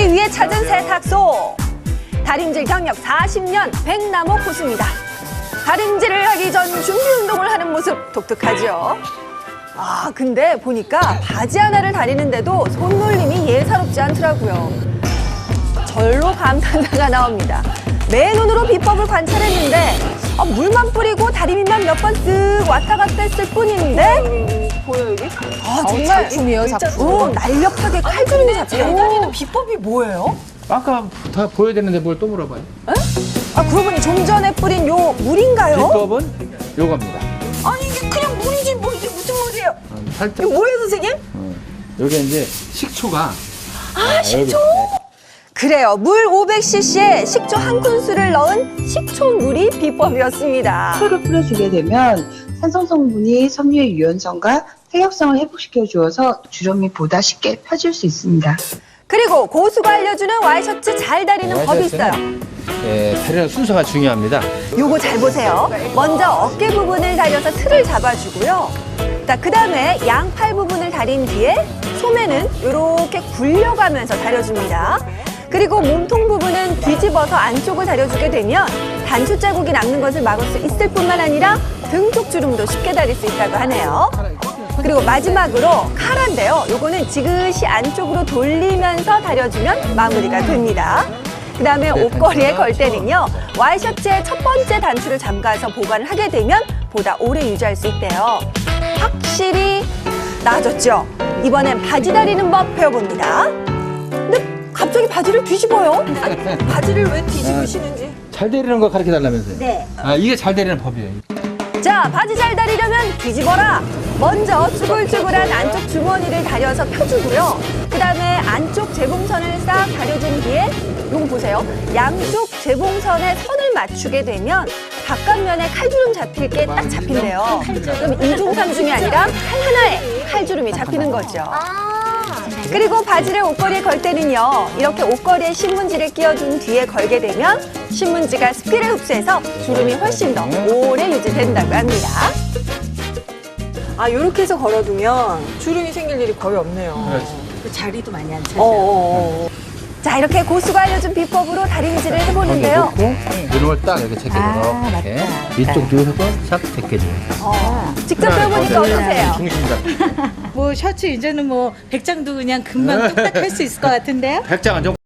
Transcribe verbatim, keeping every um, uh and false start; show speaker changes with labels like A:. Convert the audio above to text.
A: 하기 위해 찾은 세탁소. 다림질 경력 사십 년 백남호 고수입니다. 다림질을 하기 전 준비 운동을 하는 모습 독특하죠. 아, 근데 보니까 바지 하나를 다리는데도 손놀림이 예사롭지 않더라고요. 절로 감탄사가 나옵니다. 맨눈으로 비법을 관찰했는데 아, 물만 뿌리고 다리미만 몇 번 쓱 왔다 갔다 했을 뿐인데
B: 보여 여기?
A: 아, 정말
C: 작품이에요, 작품.
A: 어, 날렵하게 칼주름이 잡혀요.
B: 다리는 비법이 뭐예요?
D: 아까 다 보여드렸는데 뭘 또 물어봐요?
A: 아, 그러고 보니 좀 전에 뿌린 요 물인가요?
D: 비법은 요겁니다.
B: 아니 이게 그냥 물이지 뭐 이게 무슨 물이에요?
D: 어, 살짝.
B: 이거 뭐예요 선생님?
D: 어, 여기 이제 식초가.
B: 아 식초?
A: 그래요. 물 오백 씨씨에 식초 한 큰술을 넣은 식초물이 비법이었습니다.
E: 식초를 뿌려주게 되면 산성 성분이 섬유의 유연성과 탄력성을 회복시켜 주어서 주름이 보다 쉽게 펴질 수 있습니다.
A: 그리고 고수가 알려주는 와이셔츠 잘 다리는 법이 있어요.
D: 예, 다리는 순서가 중요합니다.
A: 요거 잘 보세요. 먼저 어깨 부분을 다려서 틀을 잡아주고요. 자, 그 다음에 양팔 부분을 다린 뒤에 소매는 이렇게 굴려가면서 다려줍니다. 그리고 몸통 부분은 뒤집어서 안쪽을 다려주게 되면 단추 자국이 남는 것을 막을 수 있을 뿐만 아니라 등 쪽 주름도 쉽게 다릴 수 있다고 하네요. 그리고 마지막으로 카라인데요. 요거는 지그시 안쪽으로 돌리면서 다려주면 마무리가 됩니다. 그 다음에 옷걸이에 걸 때는요. 와이셔츠의 첫 번째 단추를 잠가서 보관을 하게 되면 보다 오래 유지할 수 있대요. 확실히 나아졌죠? 이번엔 바지 다리는 법 배워봅니다. 근데 갑자기 바지를 뒤집어요?
B: 바지를 왜 뒤집으시는지.
D: 잘 다리는 거 가르쳐 달라면서요?
A: 네.
D: 아, 이게 잘 다리는 법이에요.
A: 자, 바지 잘 다리려면 뒤집어라. 먼저 쭈글쭈글한 안쪽 주머니를 다려서 펴주고요. 그 다음에 안쪽 재봉선을 싹 다려준 뒤에 요거 보세요. 양쪽 재봉선에 선을 맞추게 되면 바깥면에 칼주름 잡힐 게 딱 잡힌대요. 그럼 이중 삼중이 아니라 칼 하나에 칼주름이 잡히는 거죠. 그리고 바지를 옷걸이에 걸 때는요. 이렇게 옷걸이에 신문지를 끼워준 뒤에 걸게 되면 신문지가 습기를 흡수해서 주름이 훨씬 더 오래 유지된다고 합니다.
B: 아 요렇게 해서 걸어두면 주름이 생길 일이 거의 없네요.
D: 그렇지.
B: 그 자리도 많이 안 차죠.
A: 어어어. 자, 이렇게 고수가 알려준 비법으로 다림질을 해보는데요.
D: 놓고 이런 걸 딱 이렇게 제껴줘.
C: 아,
D: 이렇게.
C: 맞다.
D: 이쪽 누워서 싹 제껴줘요.
A: 어, 직접 배워보니까 어떠세요?
D: 중심 잡.
F: 뭐 셔츠 이제는 뭐 백장도 그냥 금방 뚝딱 할 수 있을 것 같은데요?
D: 백장은 좀